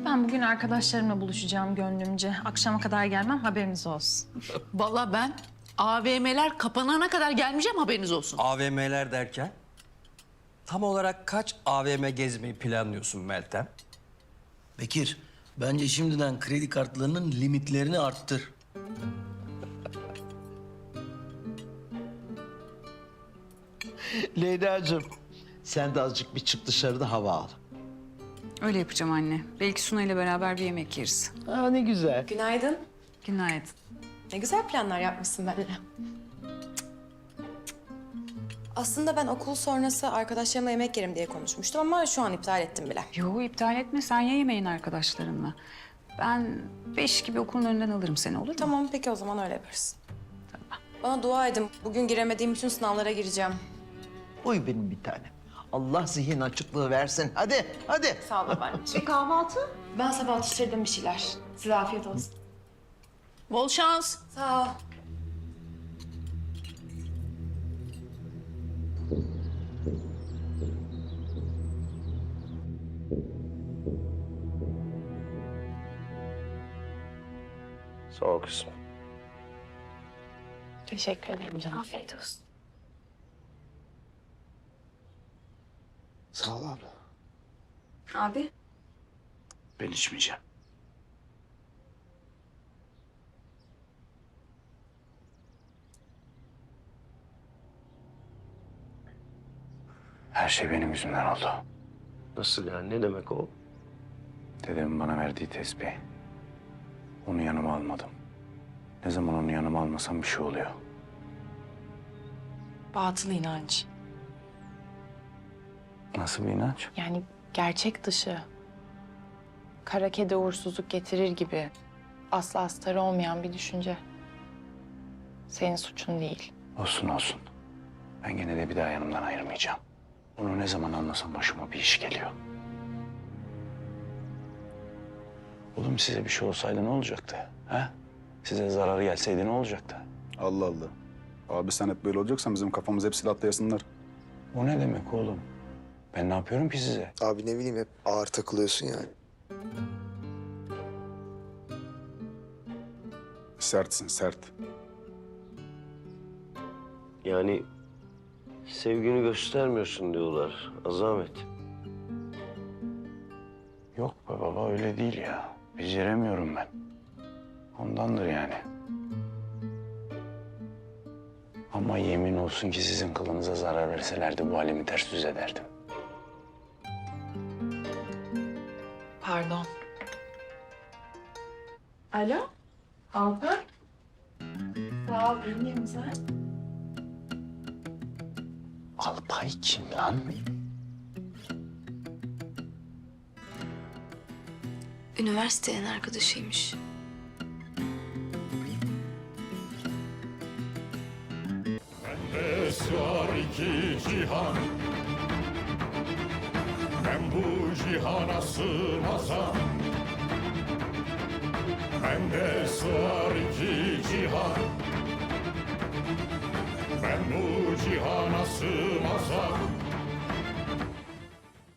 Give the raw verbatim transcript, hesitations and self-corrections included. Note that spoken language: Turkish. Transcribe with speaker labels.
Speaker 1: Ben bugün arkadaşlarımla buluşacağım gönlümce. Akşama kadar gelmem, haberiniz olsun.
Speaker 2: Vallahi ben A V M'ler kapanana kadar gelmeyeceğim, haberiniz olsun.
Speaker 3: A V M'ler derken? Tam olarak kaç A V M gezmeyi planlıyorsun Meltem?
Speaker 4: Bekir, bence şimdiden kredi kartlarının limitlerini arttır.
Speaker 5: Leyla'cığım, sen de azıcık bir çık dışarıda hava al.
Speaker 6: Öyle yapacağım anne. Belki Suna ile beraber bir yemek yeriz.
Speaker 5: Aa, ne güzel.
Speaker 7: Günaydın.
Speaker 6: Günaydın.
Speaker 7: Ne güzel planlar yapmışsın benimle. Aslında ben okul sonrası arkadaşlarımla yemek yerim diye konuşmuştum ama şu an iptal ettim bile.
Speaker 6: Yo, iptal etme. Sen ye yemeğin arkadaşlarınla. Ben beş gibi okulun önünden alırım seni, olur mu?
Speaker 7: Tamam, peki o zaman öyle yaparız. Bana dua edin. Bugün giremediğim bütün sınavlara gireceğim.
Speaker 5: Uy benim bir tanem. Allah zihin açıklığı versin. Hadi, hadi.
Speaker 7: Sağ ol babaanneciğim.
Speaker 8: E kahvaltı?
Speaker 7: Ben sabah atıştırdım bir şeyler. Size afiyet olsun.
Speaker 2: Bol şans.
Speaker 7: Sağ ol.
Speaker 3: Sağ ol kızım.
Speaker 7: Teşekkür ederim canım. Afiyet olsun.
Speaker 5: Sağ ol abla.
Speaker 6: Abi.
Speaker 3: Ben içmeyeceğim.
Speaker 9: Her şey benim yüzümden oldu.
Speaker 3: Nasıl yani? Ne demek o?
Speaker 9: Dedemin bana verdiği tesbih. Onu yanıma almadım. Ne zaman onu yanıma almasam bir şey oluyor.
Speaker 10: Batıl inanç.
Speaker 9: Nasıl bir inanç?
Speaker 10: Yani gerçek dışı. Kara kedi uğursuzluk getirir gibi. Asla astarı olmayan bir düşünce. Senin suçun değil.
Speaker 9: Olsun olsun. Ben gene de bir daha yanımdan ayırmayacağım. Onu ne zaman anlasam başıma bir iş geliyor. Oğlum size bir şey olsaydı ne olacaktı? Ha? Size zararı gelseydi ne olacaktı?
Speaker 11: Allah Allah. Abi sen hep böyle olacaksan bizim kafamız hep silahla yasınlar.
Speaker 9: O ne demek oğlum? Ben ne yapıyorum ki size?
Speaker 12: Abi ne bileyim hep ağır takılıyorsun yani.
Speaker 11: Sertsin sert.
Speaker 3: Yani sevgini göstermiyorsun diyorlar. Azamet.
Speaker 9: Yok be baba öyle değil ya. Beceremiyorum ben. Ondandır yani. Ama yemin olsun ki sizin kılınıza zarar verselerdi bu halimi ters düz ederdim.
Speaker 10: Pardon.
Speaker 7: Alo? Alper? Sağ ol, iyiyim sen.
Speaker 9: Alpay kim lan?
Speaker 8: Üniversitenin arkadaşıymış.
Speaker 13: Bende sığar iki cihan, ben bu cihana sığmazam. Bende sığar iki cihan, ben bu cihana sığmazam.